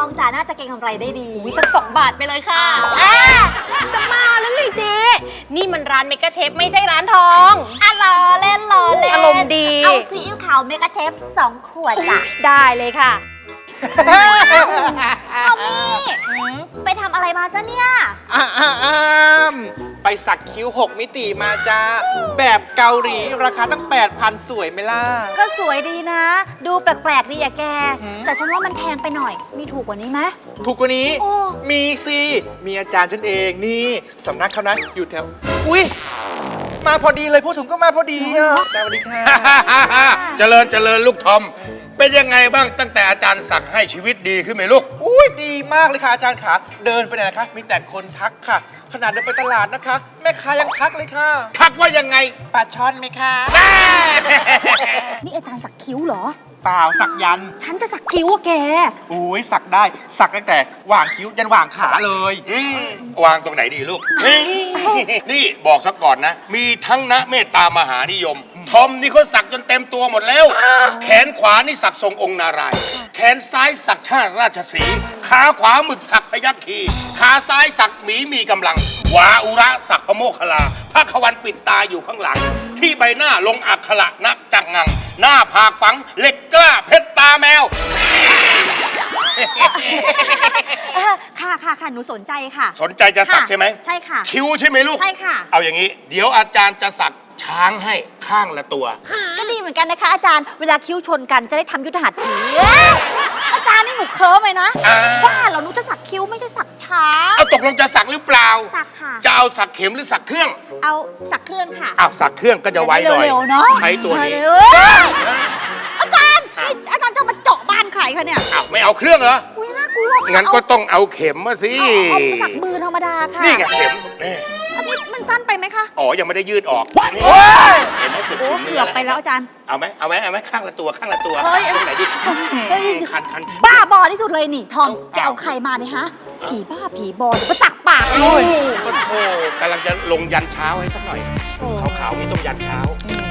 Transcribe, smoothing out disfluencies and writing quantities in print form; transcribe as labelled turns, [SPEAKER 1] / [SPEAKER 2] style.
[SPEAKER 1] องจ้ะน่าจะเก็งกำไรได้ดี
[SPEAKER 2] สัก2 บาทไปเลยค่ะจะมาแล้วไงเจ๊นี่มันร้านเมกะเชฟไม่ใช่ร้านทอง
[SPEAKER 1] ล้อเล่นล้อเล่น
[SPEAKER 2] อารมณ์ดี
[SPEAKER 1] เอาซีอิ๊วขาวเมกะเชฟ2 ขวดจ้ะ
[SPEAKER 2] ได้เลยค่ะ
[SPEAKER 1] เอามี่ไปทำอะไรมาจ้ะเนี่ย
[SPEAKER 3] ไปสักคิ้ว 6 มิติมาจ้าแบบเกาหลีราคาตั้ง 8,000 สวยไหมล่ะ
[SPEAKER 1] ก็สวยดีนะ ดูแปลกๆดีอะแก แต่ฉันว่ามันแพงไปหน่อย มีถูกกว่านี้ไหม
[SPEAKER 3] ถูกกว่านี้
[SPEAKER 1] โอ้
[SPEAKER 3] มีสิ มีอาจารย์ฉันเองนี่สำนักเขานะอยู่แถว อุ๊ย มาพอดีเลยพูดถึงก็มาพอดีอ่ะสวัสดีค่ะ
[SPEAKER 4] เจริญลูกทอม เป็นยังไงบ้างตั้งแต่อาจารย์สั่งให้ชีวิตดีขึ้นไหมลูก
[SPEAKER 3] อุ้ยดีมากเลยค่ะอาจารย์ขาเดินไปไหนนะคะ มีแต่คนทักค่ะ ขนาดเดินไปตลาดนะคะ แม่ค้ายังทักเลยค่ะ
[SPEAKER 4] ทักว่ายังไง
[SPEAKER 3] ปลาช่อนไหมคะ
[SPEAKER 1] นี่อาจารย์สักคิ้วเหรอ
[SPEAKER 3] เปล่าสักยันต์
[SPEAKER 1] ฉันจะสักคิ้วอะแก
[SPEAKER 3] อุ้ยสักได้สักตั้งแต่หว่างคิ้วยันหว่างขาเลย
[SPEAKER 4] วางตรงไหนดีลูก นี่บอกซะก่อนนะ มีทั้งนะเมตตามหานิยม ทอมนี่เขาสักจนเต็มตัวหมดแล้ว แขนขวานี่สักทรงองค์นารายณ์แขนซ้ายสักชาติราชสีห์ขาขวาหมึกสักพยัคฆ์คีขาซ้ายสักหมีมีกำลังวาอุระสักพระโมคคัลลาพระขวันปิดตาอยู่ข้างหลัง ที่ใบหน้าลงอักขระนักจังงัง หน้าผากฝังเหล็กกล้าเพชรตาแมว
[SPEAKER 1] ค่ะ หนูสนใจค่ะ
[SPEAKER 4] สนใจจะสัก
[SPEAKER 1] ค่ะ
[SPEAKER 4] ใช่ไหม
[SPEAKER 1] ใช่ค่ะ
[SPEAKER 4] คิ้วใช่ไหมลูก
[SPEAKER 1] ใช่ค่ะ
[SPEAKER 4] เอาอย่างนี้ เดี๋ยวอาจารย์จะสักช้างให้ข้างละตัว
[SPEAKER 1] ก็ดีเหมือนกันนะคะ อาจารย์ เวลาคิ้วชนกันจะได้ทำยุทธหัตถีอาจารย์นี่หนูเคิร์มเลยนะ ว่าเหราหนูจะสักคิ้วไม่ใช่สักช้าง
[SPEAKER 4] เอาตกลงจะสักหรือเปล่า
[SPEAKER 1] สักค่ะ
[SPEAKER 4] จะเอาสักเข็มหรือสักเครื่อง
[SPEAKER 1] เอาสักเครื่องค่ะ
[SPEAKER 4] อ้าวสักเครื่องก็จะไวหน่อย
[SPEAKER 1] เร็วๆเนาะ
[SPEAKER 4] ใช้ตัวนี้
[SPEAKER 1] เร็วๆอาจารย์นี่อาจารย์จะมาเจาะบ้านใครคะเนี่ย
[SPEAKER 4] อ้าวไม่เอาเครื่องเหรอ
[SPEAKER 1] อุ้ยน่ากลัว
[SPEAKER 4] งั้นก็ต้องเอาเข็มมาสิ
[SPEAKER 1] เอาสักมือธรรมดาค่ะ
[SPEAKER 4] นี่ไงเข็มนี่
[SPEAKER 1] อันนี้มันสั้นไปไหมคะ
[SPEAKER 4] อ๋อยังไม่ได้ยืดออกนี่
[SPEAKER 3] โอ๊ย
[SPEAKER 4] เห็นไหมเกือบ
[SPEAKER 1] โอ้
[SPEAKER 4] ถึง
[SPEAKER 1] เกือบไปแล้วอาจารย์
[SPEAKER 4] เอาไหมข้างละตัวข้างละตัว
[SPEAKER 1] เฮ้ย
[SPEAKER 4] ตรงไหนดี
[SPEAKER 1] เฮ้ย
[SPEAKER 4] คัน
[SPEAKER 1] บ้าบอที่สุดเลยนี่ทอม
[SPEAKER 4] เอา
[SPEAKER 1] แกเอาใครมาเนี่ยฮะ ผีบ้าผีบอเดี๋ยวก็สักปากเล
[SPEAKER 4] โอ้ย
[SPEAKER 1] ย
[SPEAKER 4] ก็โธ่กำลังจะลงยันเช้าให้สักหน่อยขาวๆนี่ต้องยันเช้า